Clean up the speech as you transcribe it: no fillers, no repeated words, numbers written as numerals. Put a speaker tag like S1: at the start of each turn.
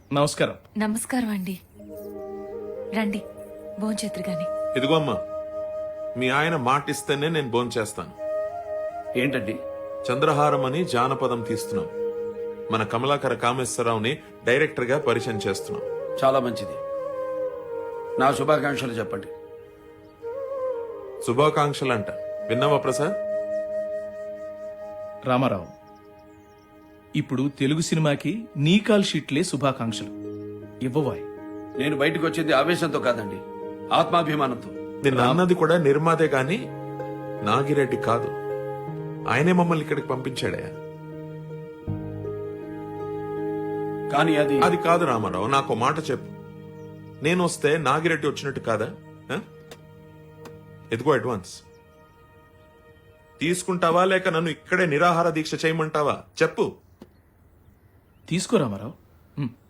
S1: నమస్కారం.
S2: నమస్కారం అండి. రండి భోంచేతురు గాని.
S3: ఇదిగో అమ్మా, మీ ఆయన మాటిస్తేనే నేను భోంచేస్తాను.
S4: ఏంటండి?
S3: చంద్రహారం అని జానపదం తీస్తున్నాం. మన కమలాకర కామేశ్వరరావుని డైరెక్టర్ గా పరిచయం చేస్తున్నాం.
S4: చాలా మంచిది. నా శుభాకాంక్షలు చెప్పండి.
S3: శుభాకాంక్షలు అంట. విన్నావా ప్రసాద్?
S1: రామారావు, ఇప్పుడు తెలుగు సినిమాకి నీ కాల్ షీట్లే శుభాకాంక్షలు ఇవ్వవాయ్.
S4: నేను బయటకు వచ్చింది ఆవేశంతో కాదండి, ఆత్మాభిమానంతో.
S3: నిన్న అన్నది కూడా నిర్మాతే గాని నాగిరెడ్డి కాదు. ఆయనే మమ్మల్ని ఇక్కడికి పంపించాడే.
S4: కానీ
S3: అది కాదు రామారావు, నాకు మాట చెప్పు. నేను వస్తే నాగిరెడ్డి వచ్చినట్టు కాదా? ఎదుగో అడ్వాన్స్ తీసుకుంటావా లేక నన్ను ఇక్కడే నిరాహార దీక్ష చేయమంటావా? చెప్పు.
S1: తీసుకో రామారావు.